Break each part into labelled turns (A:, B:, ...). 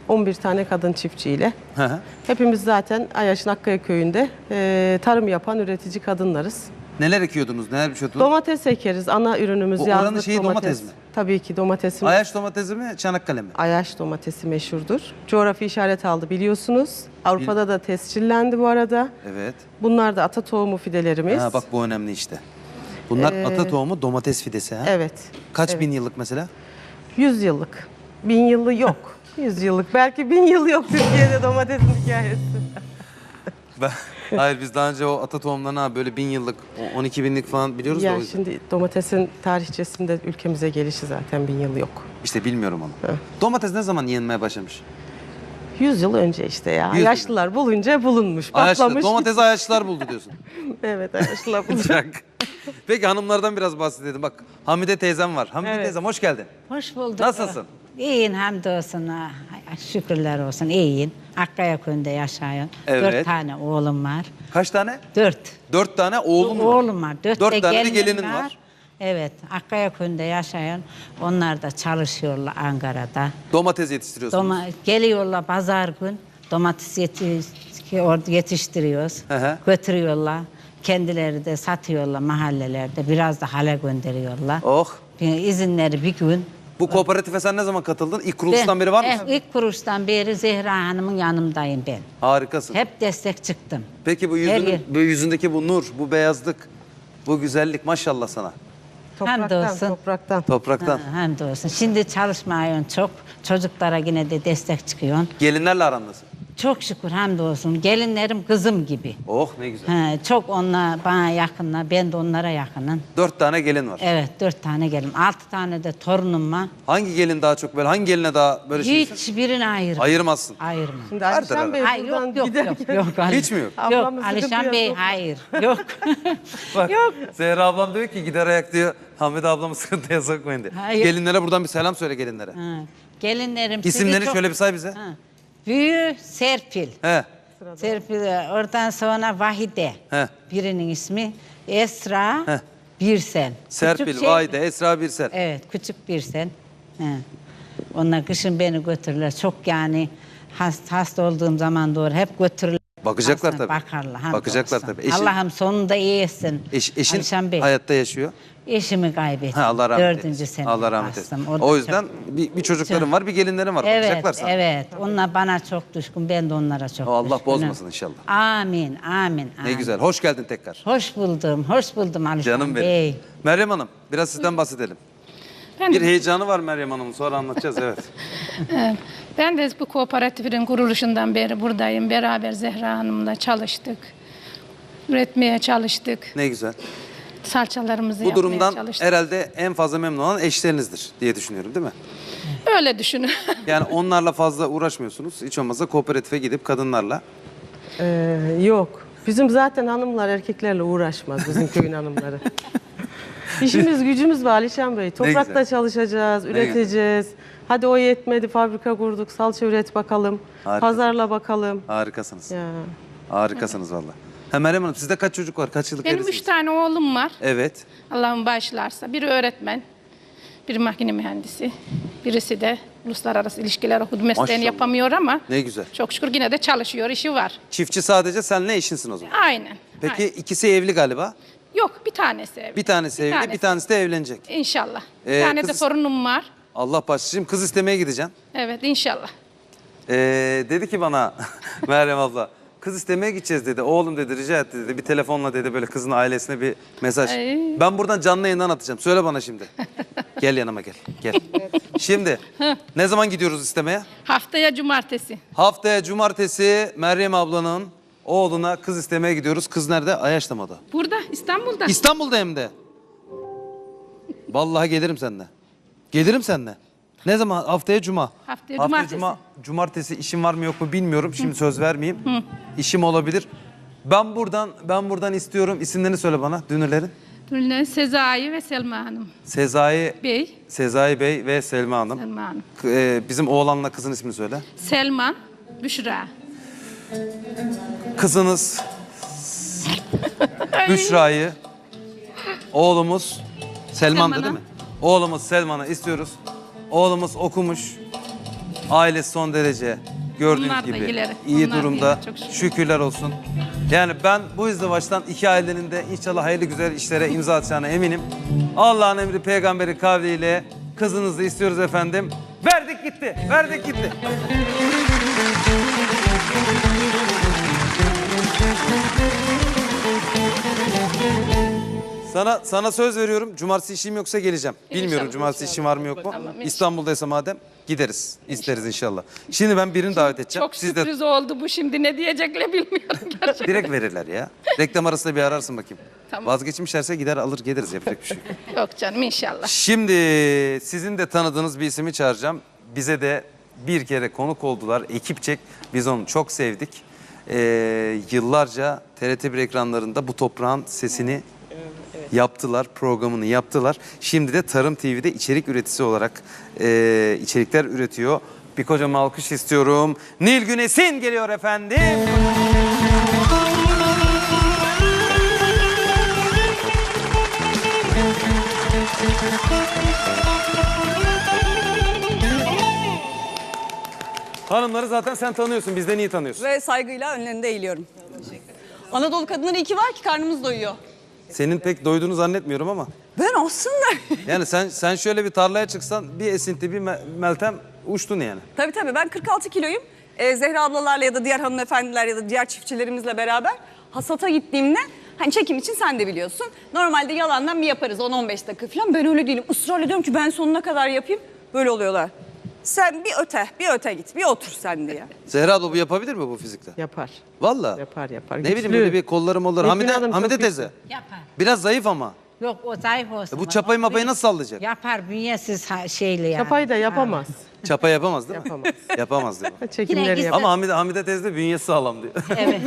A: 11 tane kadın çiftçiyle.
B: Hı hı.
A: Hepimiz zaten Ayaş'ın Akkaya köyünde tarım yapan üretici kadınlarız.
B: Neler ekiyordunuz, neler biçiyordunuz?
A: Domates ekeriz. Ana ürünümüz
B: Bu
A: yazlık
B: oranın şeyi domates mi?
A: Tabii ki domatesimiz.
B: Ayaş domatesi mi, Çanakkale mi?
A: Ayaş domatesi meşhurdur. Coğrafi işaret aldı biliyorsunuz. Avrupa'da da tescillendi bu arada.
B: Evet.
A: Bunlar da ata tohumu fidelerimiz.
B: Ha, bak bu önemli işte. Bunlar ata tohumu domates fidesi ha?
A: Evet.
B: Kaç
A: evet.
B: bin yıllık mesela?
A: 100 yıllık. 1000 yılı yok. 100 yıllık. Belki 1000 yıl yok Türkiye'de domatesin hikayesi.
B: Hayır biz daha önce o ata tohumlarına böyle 1000 yıllık, 12 binlik falan biliyoruz da o
A: Ya
B: yüzden.
A: şimdi domatesin tarihçesinde ülkemize gelişi zaten 1000 yıl yok.
B: İşte bilmiyorum onu.
A: Evet.
B: Domates ne zaman yenmeye başlamış?
A: 100 yıl önce işte ya.
B: 100 yıl.
A: Yaşlılar bulunca bulunmuş,
B: Ayaşlı,
A: patlamış.
B: domates ayaşlılar buldu diyorsun.
A: Evet, yaşlılar bulunca.
B: Bırak. Peki hanımlardan biraz bahsedelim. Bak Hamide teyzem var. Hamide
A: Evet.
B: teyzem hoş geldin.
C: Hoş bulduk.
B: Nasılsın?
C: İyiyim hamdolsun. Şükürler olsun iyiyim. Akkaya köyünde yaşıyorum.
B: Evet.
C: 4 tane oğlum var.
B: Kaç tane?
C: 4.
B: 4 tane oğlum var.
C: Oğlum var. 4
B: 4 tane de
C: gelinim
B: gelinin var.
C: Evet. Akkaya köyünde yaşayan. Onlar da çalışıyorlar Ankara'da.
B: Domates yetiştiriyorsunuz.
C: Geliyorlar pazar gün. Domates yetiştiriyoruz.
B: Hı hı.
C: Götürüyorlar. Kendileri de satıyorlar mahallelerde. Biraz da hale gönderiyorlar.
B: Oh.
C: İzinleri bir gün.
B: Bu kooperatife sen ne zaman katıldın? İlk kuruluştan beri var mısın?
C: İlk kuruluştan beri Zehra Hanım'ın yanımdayım ben.
B: Harikasın.
C: Hep destek çıktım.
B: Peki bu,
C: Her yer.
B: bu yüzündeki bu nur, bu beyazlık, bu güzellik maşallah sana.
A: Topraktan,
C: Hamdolsun.
A: topraktan.
B: Topraktan.
C: Hamdolsun. Şimdi çalışmıyorum çok. Çocuklara yine de destek çıkıyorum.
B: Gelinlerle aran nasıl?
C: Çok şükür hamdolsun. Gelinlerim kızım gibi.
B: Oh ne güzel.
C: Çok onlar bana yakınlar. Ben de onlara yakınım.
B: 4 tane gelin var.
C: Evet 4 tane gelin. 6 tane de torunum var.
B: Hangi gelin daha çok böyle, hangi geline daha böyle şeysin?
C: Hiçbirini ayırmam.
B: Ayırmazsın.
C: Ayırmam.
A: Şimdi
B: Her
A: Alişan
B: tarafa.
A: Bey
C: Hayır,
A: buradan
C: yok yok
A: giderken...
C: yok. Yok,
B: Hiç mi yok?
C: Yok
A: Ablamız
C: Alişan
A: sıkıntı
C: Bey
A: yok.
C: hayır. Yok.
B: Bak,
C: Yok.
B: Zehra ablam diyor ki gider ayak diyor. Hamide ablamı sıkıntıya sokmayın diyor.
C: Hayır.
B: Gelinlere buradan bir selam söyle gelinlere.
C: Ha, Gelinlerim
B: İsimleri
C: sizi çok-
B: şöyle bir say bize.
C: Ha. Büyü Serpil.
B: He.
C: Serpil oradan sonra Vahide.
B: He.
C: Birinin ismi Esra
B: Heh.
C: Birsen.
B: Serpil,
C: Küçük şey-
B: Vahide, Esra Birsel.
C: Evet küçük Birsen. He. Onlar kışın beni götürürler. Çok yani hasta olduğum zaman doğru hep götürürler.
B: Bakacaklar
C: Aslında
B: tabii.
C: Bakarlar.
B: Bakacaklar
C: hamdolsun.
B: tabii. Eşin-
C: Allah'ım sonunda iyi etsin.
B: Eşin
C: Alişan Bey.
B: hayatta yaşıyor.
C: Eşimi kaybettim.
B: Ha, Allah rahmet eylesin.
C: 4. sene
B: Allah rahmet
C: bastım.
B: eylesin.
C: O da
B: O
C: çok-
B: yüzden bir çocukların var, bir gelinlerin var.
C: Evet,
B: Bakacaklar sana.
C: evet. Onlar bana çok düşkün, ben de onlara çok
B: O Allah
C: düşkünüm.
B: bozmasın inşallah.
C: Amin, amin,
B: Ne
C: amin.
B: güzel. Hoş geldin tekrar.
C: Hoş buldum Alişan
B: Canım benim.
C: Bey.
B: Meryem Hanım, biraz sizden bahsedelim.
D: Ben
B: Bir
D: de,
B: heyecanı var Meryem Hanım'ın. Sonra anlatacağız, evet.
D: ben de bu kooperatifin kuruluşundan beri buradayım. Beraber Zehra Hanım'la çalıştık. Üretmeye çalıştık.
B: Ne güzel.
D: Salçalarımızı
B: Bu
D: yapmaya
B: durumdan
D: çalıştık.
B: herhalde en fazla memnun olan eşlerinizdir diye düşünüyorum, değil mi?
D: Öyle düşünün.
B: Yani onlarla fazla uğraşmıyorsunuz. Hiç olmazsa kooperatife gidip kadınlarla.
A: Yok. Bizim zaten hanımlar erkeklerle uğraşmaz bizim köyün hanımları. İşimiz gücümüz var Alişan Bey. Toprakta
B: güzel.
A: çalışacağız, üreteceğiz. Hadi o yetmedi fabrika kurduk, salça üret bakalım.
B: Harikasın.
A: Pazarla bakalım.
B: Harikasınız.
A: Ya.
B: Harikasınız valla. Ha Meryem Hanım, sizde kaç çocuk var? Kaç yıllık
D: Benim
B: evlisiniz?
D: 3 tane oğlum var.
B: Evet.
D: Allah'ım bağışlarsa. Biri öğretmen, biri makine mühendisi. Birisi de uluslararası ilişkiler okudu. Mesleğini
B: Maşallah.
D: yapamıyor ama
B: Ne güzel.
D: çok şükür yine de çalışıyor, işi var.
B: Çiftçi sadece senle eşinsin o zaman.
D: Aynen.
B: Peki
D: aynen.
B: ikisi evli galiba.
D: Yok, bir tanesi evli.
B: Bir tanesi evli, bir tanesi de evlenecek.
D: İnşallah.
B: Ee,
D: Bir tane de
B: kız-
D: torunum var.
B: Allah başlasın. Kız istemeye gideceksin.
D: Evet, inşallah.
B: Dedi ki bana Meryem abla, kız istemeye gideceğiz dedi. Oğlum dedi, rica etti dedi. Bir telefonla dedi böyle kızın ailesine bir mesaj.
D: Ay.
B: Ben buradan canlı yayından atacağım. Söyle bana şimdi. Gel yanıma gel. Gel. Şimdi ne zaman gidiyoruz istemeye?
D: Haftaya cumartesi.
B: Haftaya cumartesi Meryem ablanın oğluna kız istemeye gidiyoruz. Kız nerede? Ayaş'ta mı o da?
D: Burada, İstanbul'da.
B: İstanbul'da hem de. Vallahi gelirim seninle. Gelirim seninle. Ne zaman? Haftaya cuma.
D: Haftaya cumartesi.
B: Cumartesi işim var mı yok mu bilmiyorum. Şimdi söz vermeyeyim. İşim olabilir. Ben buradan istiyorum. İsimlerini söyle bana dünürlerin.
D: Ünlü Sezai ve Selma Hanım.
B: Sezai Bey ve Selma Hanım.
D: Selma Hanım.
B: Bizim oğlanla kızın ismini söyle.
D: Selman, Büşra.
B: Kızınız Büşra'yı, oğlumuz Selman'dı değil mi? Oğlumuz Selman'ı istiyoruz. Oğlumuz okumuş. Ailesi son derece gördüğünüz
D: Onlar da
B: gibi
D: iyileri.
B: iyi
D: Onlar da
B: durumda.
D: iyiler, çok şükür.
B: Şükürler olsun. Yani ben bu izdivaçtan iki ailenin de inşallah hayırlı güzel işlere imza atacağına eminim. Allah'ın emri peygamberi kavliyle kızınızı istiyoruz efendim. Verdik gitti. Verdik gitti. Sana söz veriyorum. Cumartesi işim yoksa geleceğim. Bilmiyorum
D: İnşallah,
B: cumartesi
D: inşallah.
B: işim var mı yok mu?
D: Tamam, inşallah.
B: İstanbul'daysa madem gideriz. İsteriz inşallah. Şimdi ben birini davet edeceğim.
D: Çok sürpriz oldu bu, şimdi ne diyecekler bilmiyorum gerçekten.
B: Direkt verirler ya. Reklam arasında bir ararsın bakayım.
D: Tamam.
B: Vazgeçmişlerse gider alır geliriz, yapacak bir şey yok.
D: Yok canım, inşallah.
B: Şimdi sizin de tanıdığınız bir ismi çağıracağım. Bize de bir kere konuk oldular. Ekipçek. Biz onu çok sevdik. Yıllarca TRT1 ekranlarında bu toprağın sesini yaptılar, programını yaptılar. Şimdi de Tarım TV'de içerik üreticisi olarak içerikler üretiyor. Bir kocaman alkış istiyorum. Nilgün Esin geliyor efendim. Hanımları zaten sen tanıyorsun, bizden iyi tanıyorsun.
E: Ve saygıyla önlerinde eğiliyorum. Anadolu kadınları iyi ki var ki karnımız doyuyor.
B: Senin pek doyduğunu zannetmiyorum ama.
E: Ben aslında...
B: Yani sen şöyle bir tarlaya çıksan bir Esinti bir Meltem uçtun yani.
E: Tabii ben 46 kiloyum. Zehra ablalarla ya da diğer hanımefendiler ya da diğer çiftçilerimizle beraber hasata gittiğimde... Hani çekim için sen de biliyorsun. Normalde yalandan bir yaparız 10-15 dakika falan. Ben öyle değilim. Israr ediyorum ki ben sonuna kadar yapayım. Böyle oluyorlar. Sen bir öte git, bir otur sen diye.
B: Zehra abla bu yapabilir mi bu fizikle?
A: Yapar.
B: Vallahi.
A: Yapar.
B: Ne bileyim
A: Güçlü.
B: böyle bir kolları molları.
A: Nilgün Hanım çok
B: Hamide
A: güçlü.
B: teyze.
C: Yapar.
B: Biraz zayıf ama.
C: Yok, o zayıf olsun.
B: Bu çapayı mapayı nasıl sallayacak?
C: Yapar, bünyesiz şeyle yani.
A: Çapayı da yapamaz.
B: Çapa yapamaz değil mi?
A: Yapamaz.
B: Yapamaz diyor.
A: Çekimleri
C: Yine
A: yapar.
B: Ama Hamide teyze de bünyesi sağlam diyor.
C: Evet.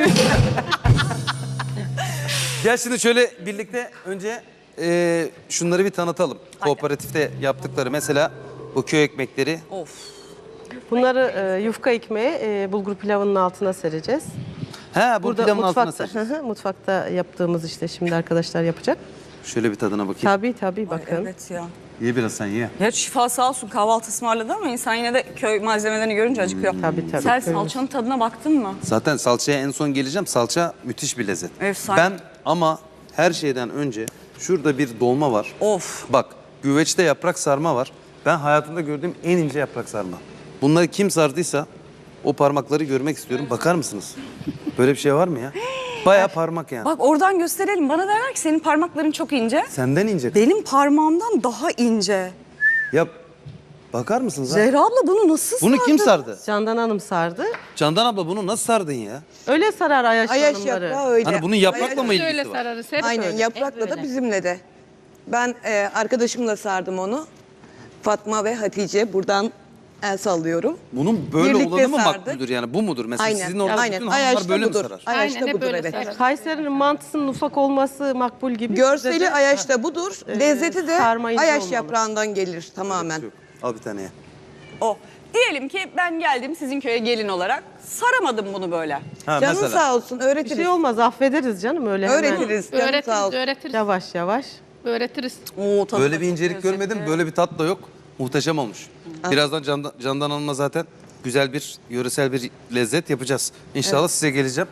B: Gel şimdi şöyle birlikte önce şunları bir tanıtalım. Kooperatifte yaptıkları mesela bu köy ekmekleri.
E: Of.
A: Bunları yufka ekmeği bulgur pilavının altına sereceğiz.
B: He bu pilavın altına
A: mutfakta,
B: sereceğiz.
A: mutfakta yaptığımız işte şimdi arkadaşlar yapacak.
B: Şöyle bir tadına bakayım.
A: Tabii
E: Ay,
A: bakın.
E: evet ya.
B: Ye biraz sen ye.
E: Ya şifa sağ olsun kahvaltı ısmarladı ama insan yine de köy malzemelerini görünce acıkıyor.
A: Tabii.
E: Sen
A: Köyümüz.
E: salçanın tadına baktın mı?
B: Zaten salçaya en son geleceğim. Salça müthiş bir lezzet.
E: Efsane.
B: Ben ama her şeyden önce şurada bir dolma var.
E: Of.
B: Bak güveçte yaprak sarma var. Ben hayatımda gördüğüm en ince yaprak sarma. Bunları kim sardıysa o parmakları görmek istiyorum. Bakar mısınız? Böyle bir şey var mı ya? Bayağı parmak yani.
E: Bak oradan gösterelim. Bana derler ki senin parmakların çok ince.
B: Senden ince.
E: Benim parmağımdan daha ince.
B: Ya bakar mısınız ha?
E: Zehra abla bunu nasıl
B: Bunu kim
E: sardı?
B: sardı?
A: Candan Hanım sardı.
B: Candan abla bunu nasıl sardın ya?
A: Öyle sarar Ayaş
F: Ayaş
A: hanımları.
F: yaprağı öyle.
B: Hani bunun yaprakla
F: Ayaş-
B: mı
D: Öyle
B: ilgisi var?
D: sararız, hep
F: Aynen
D: öyle.
F: yaprakla
C: Hep
F: da
C: öyle.
F: bizimle de. Ben arkadaşımla sardım onu. Fatma ve Hatice buradan el sallıyorum.
B: Bunun böyle
F: Birlikte
B: olanı mı
F: sardık.
B: makbuldür yani? Bu mudur? Mesela
F: Aynen.
B: sizin orada
F: Aynen.
B: bütün hanımlar
F: Ayaş'ta
B: böyle mi
F: budur.
B: sarar?
F: Ayaş'ta
D: Aynen, hep
F: budur
D: öyle
F: evet.
D: sararız.
A: Kayseri'nin mantısının ufak olması makbul gibi.
F: Görseli
A: Bizde de-
F: Ayaş'ta budur. Lezzeti de
A: sarma ince
F: Ayaş
A: olmalı.
F: yaprağından gelir tamamen.
B: Yok. Al bir tane ye.
E: O. Diyelim ki ben geldim sizin köye gelin olarak. Saramadım bunu böyle.
B: Ha,
F: Canın
B: mesela.
F: sağ olsun
A: Bir
F: öğretiriz.
A: şey olmaz affederiz canım öyle hemen.
F: Öğretiriz. Canın sağ
D: Öğretiriz,
F: olsun.
D: öğretiriz.
A: Yavaş yavaş.
D: Öğretiriz.
E: Oo, tadı
B: Böyle
E: da
B: bir
E: çok
B: incelik
E: lezzetli.
B: görmedim. Böyle bir tat da yok. Muhteşem olmuş. Birazdan Candan Hanım'la zaten güzel bir yöresel bir lezzet yapacağız. İnşallah size geleceğim.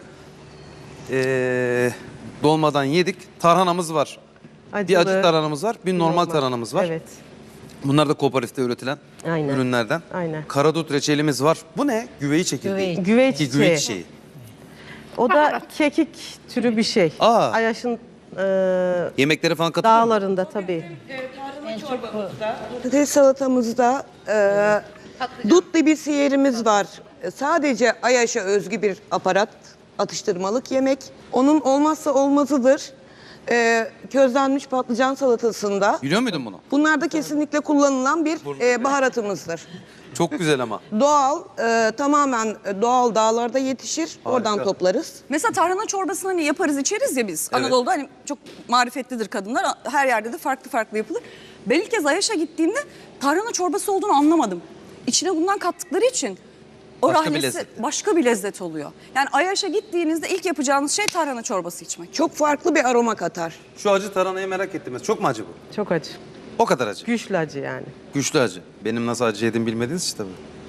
B: Dolmadan yedik. Tarhanamız var. Bir
A: Acılı,
B: acı tarhanamız var. Bir normal tarhanamız var.
A: Evet.
B: Bunlar da kooperatifte üretilen
A: Aynen.
B: ürünlerden.
A: Aynen.
B: Karadut reçelimiz var. Bu ne? Güveyi çekirdeği.
C: Güveyi.
A: Güveç
B: Ki
A: çiçeği.
B: güveç çiçeği.
A: O da kekik türü bir şey.
B: Aa.
A: Ayaş'ın
B: Yemeklere falan katılıyor mu?
A: dağlarında tabii.
F: Patates salatamızda dutlu bir siyerimiz var. Sadece Ayaş'a özgü bir aparat, atıştırmalık yemek. Onun olmazsa olmazıdır. Közlenmiş patlıcan salatasında.
B: Biliyor muydun bunu?
F: Bunlar da kesinlikle kullanılan bir baharatımızdır.
B: Çok güzel ama.
F: Doğal, tamamen doğal dağlarda yetişir. Oradan toplarız.
E: Mesela tarhana çorbasını hani yaparız içeriz ya biz.
B: Evet.
E: Anadolu'da hani çok marifetlidir kadınlar. Her yerde de farklı farklı yapılır. Ben ilk kez Ayaş'a gittiğimde tarhana çorbası olduğunu anlamadım. İçine bundan kattıkları için o
B: Başka bir
E: rahnesi
B: lezzet.
E: başka bir lezzet oluyor. Yani Ayaş'a gittiğinizde ilk yapacağınız şey tarhana çorbası içmek.
F: Çok farklı bir aroma katar.
B: Şu acı tarhanayı merak ettim. Çok mu acı bu?
A: Çok acı.
B: O kadar acı.
A: Güçlü acı yani.
B: Güçlü acı. Benim nasıl acı yediğimi bilmediniz işte tabii.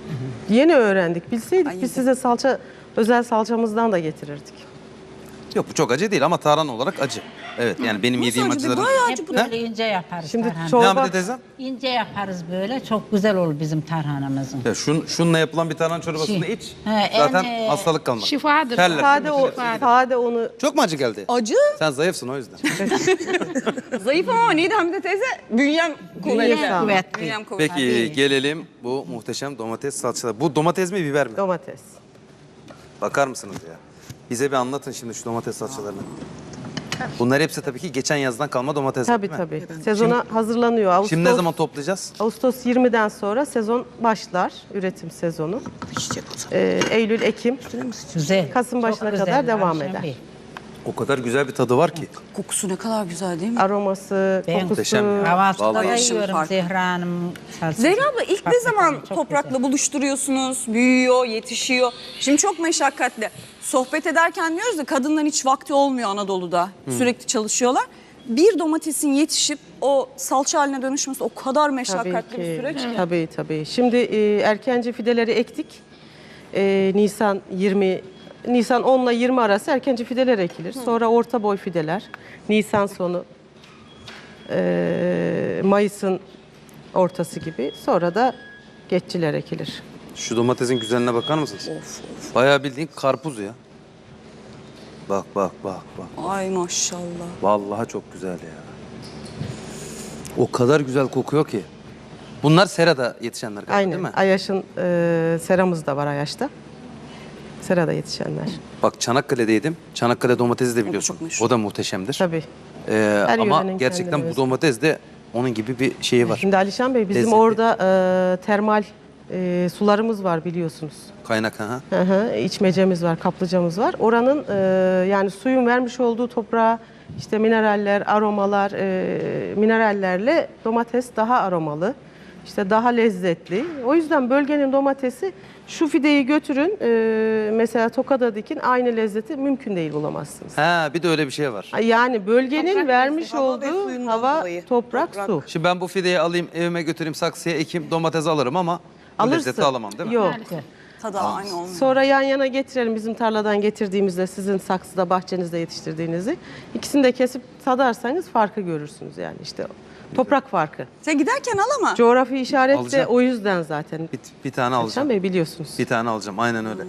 A: Yeni öğrendik. Bilseydik
E: Ay,
A: biz size özel salçamızdan da getirirdik.
B: Yok bu çok acı değil ama tarhana olarak acı. Evet yani benim yediğim
E: acı?
B: acıların...
E: Bayağı acı
C: Hep
E: bu.
C: böyle ince yaparız
A: Şimdi
C: tarhana.
A: çorba-
B: Ne yaptı teyzem?
C: İnce yaparız böyle. Çok güzel olur bizim tarhanamızın.
B: Ya şununla yapılan bir tarhana çorbasını
C: Şey,
B: iç.
C: he,
B: Zaten
C: en,
B: hastalık kalmaz.
D: Şifadır.
B: Terler.
A: Sade onu
B: Çok mu acı geldi?
E: Acı.
B: Sen zayıfsın o yüzden.
E: Zayıf ama neydi Hamide teyze? Bünyem kuvvetli.
A: sağlam.
C: Kuvvetli.
E: Bünyem kuvvetli.
B: Peki gelelim bu muhteşem domates salçaları. Bu domates mi biber mi?
A: domates.
B: Bakar mısınız ya? Bize bir anlatın şimdi şu domates salçalarını. Bunlar hepsi tabii ki geçen yazdan kalma domates.
A: Tabii
B: değil mi?
A: tabii. Sezona hazırlanıyor. Ağustos,
B: Şimdi ne zaman toplayacağız?
A: Ağustos 20'den sonra sezon başlar. Üretim sezonu. Eylül, Ekim.
C: Güzel.
A: Kasım
C: Çok
A: başına
C: güzel,
A: kadar devam
C: Ayşen
A: eder.
C: Bey.
B: O kadar güzel bir tadı var ki.
E: Kokusu ne kadar güzel değil mi?
A: Aroması,
C: Ben-
A: kokusu.
B: Muhteşem.
C: Kahvaltıda da
B: Vallahi.
C: yiyorum
E: Farklı.
C: Zehra Hanım salçası.
E: Zehra abla ilk ne
C: Hakikaten
E: zaman
C: çok
E: toprakla
C: güzel.
E: buluşturuyorsunuz? Büyüyor, yetişiyor. Şimdi çok meşakkatli. Sohbet ederken diyoruz da kadınların hiç vakti olmuyor Anadolu'da. Sürekli çalışıyorlar. Bir domatesin yetişip o salça haline dönüşmesi o kadar meşakkatli bir süreç ki.
A: Tabii. Şimdi erkenci fideleri ektik. Nisan 10 ile 20 arası erkenci fideler ekilir. Sonra orta boy fideler. Nisan sonu, Mayıs'ın ortası gibi. Sonra da geççiler ekilir.
B: Şu domatesin güzelliğine bakar mısınız? Bayağı bildiğin karpuz ya. Bak.
E: Ay maşallah.
B: Vallahi çok güzel ya. O kadar güzel kokuyor ki. Bunlar serada yetişenler galiba değil
A: Aynen.
B: mi?
A: Ayaş'ın seramız da var Ayaş'ta. Serada yetişenler.
B: Bak Çanakkale'deydim. Çanakkale domatesi de biliyorsun.
E: çok meşhur.
B: O da muhteşemdir.
A: Tabii.
B: Ama
A: yörenin
B: gerçekten
A: kendine
B: bu
A: özgü.
B: domates de onun gibi bir şeyi var.
A: Şimdi Alişan Bey bizim
B: Lezzetli.
A: orada termal sularımız var biliyorsunuz.
B: Kaynak ha.
A: Hı hı, içmecemiz var, kaplıcamız var. Oranın yani suyun vermiş olduğu toprağa işte mineraller, aromalar, minerallerle domates daha aromalı, işte daha lezzetli. O yüzden bölgenin domatesi şu fideyi götürün mesela Tokat'a dikin aynı lezzeti mümkün değil bulamazsınız.
B: Ha bir de öyle bir şey var.
A: Yani bölgenin vermiş
F: Hava ve
A: olduğu
F: suyundan
A: hava,
F: dolayı.
A: toprak, su.
B: Şimdi ben bu fideyi alayım evime götüreyim saksıya ekeyim domates alırım ama bu
A: Alırsın.
B: lezzeti alamam değil mi?
A: Yok.
E: Tadı aynı olmuyor.
A: Sonra yan yana getirelim bizim tarladan getirdiğimizde sizin saksıda bahçenizde yetiştirdiğinizi. İkisini de kesip tadarsanız farkı görürsünüz yani işte toprak farkı.
E: Sen giderken al ama.
A: Coğrafi işaret de
B: Alacağım.
A: o yüzden zaten.
B: Bir tane
A: Alişan
B: alacağım.
A: Bey biliyorsunuz.
B: Bir tane alacağım aynen öyle.